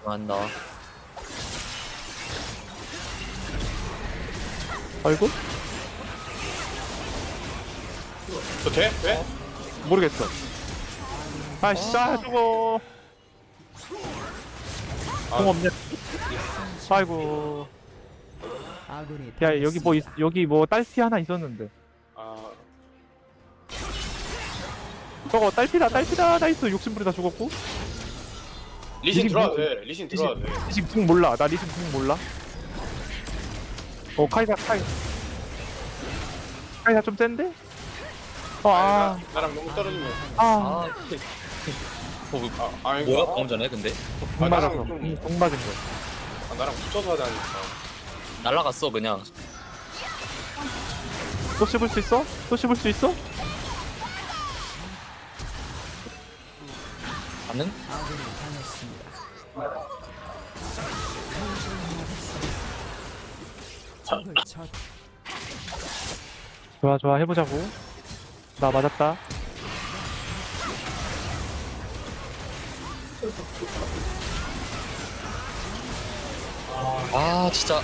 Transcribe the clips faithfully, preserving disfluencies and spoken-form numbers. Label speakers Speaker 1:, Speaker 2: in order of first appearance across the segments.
Speaker 1: 한다.
Speaker 2: 아이고?
Speaker 3: 저 돼? 돼?
Speaker 2: 모르겠어. 아, 씨, 아, 저거. 공 없냐? 아이고. 야, 여기 뭐, 있, 여기 뭐, 딸피 하나 있었는데.
Speaker 3: 아
Speaker 2: 저거, 딸피다, 딸피다, 나이스. 욕심부리다 죽었고.
Speaker 3: 리신
Speaker 2: 리신
Speaker 3: 들어와도
Speaker 2: 뭐-
Speaker 3: 돼 리신 들어와도 돼
Speaker 2: 리신 궁 몰라. 나 리신 궁 몰라. 어, 카이사, 카이. 카이사 좀 센데? 어,
Speaker 3: 아니,
Speaker 2: 아,
Speaker 3: 나, 나랑 너무 떨어지면
Speaker 2: 아.
Speaker 1: 아, 어,
Speaker 3: 아 아니
Speaker 1: 뭐야
Speaker 3: 아,
Speaker 1: 방금 전에 근데
Speaker 2: 궁
Speaker 3: 아,
Speaker 2: 맞았어.
Speaker 3: 나랑 좀-
Speaker 2: 궁, 궁 맞은 거야.
Speaker 3: 아, 나랑 붙여서 하자니까
Speaker 1: 날라갔어 그냥.
Speaker 2: 또 씹을 수 있어? 또 씹을 수 있어?
Speaker 1: 가능?
Speaker 2: 좋아, 좋아, 해보자고. 나 맞았다.
Speaker 1: 아 진짜.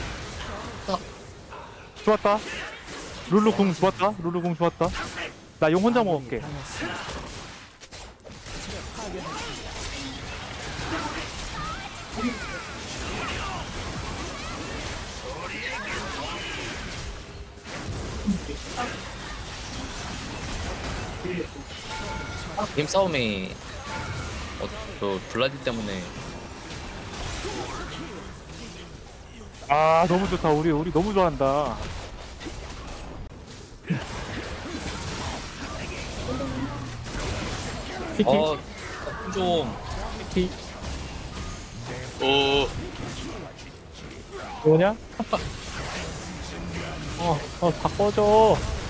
Speaker 2: 좋았다. 룰루 궁 좋았다. 룰루 궁 좋았다. 나 용 혼자 먹을게.
Speaker 1: 게임 싸움이 어, 저 블라디 때문에
Speaker 2: 아, 너무 좋다. 우리, 우리 너무 좋아한다. 피키,
Speaker 1: 어, 좀
Speaker 2: 피키.
Speaker 3: 오
Speaker 2: 뭐냐? 어, 어, 다 꺼져.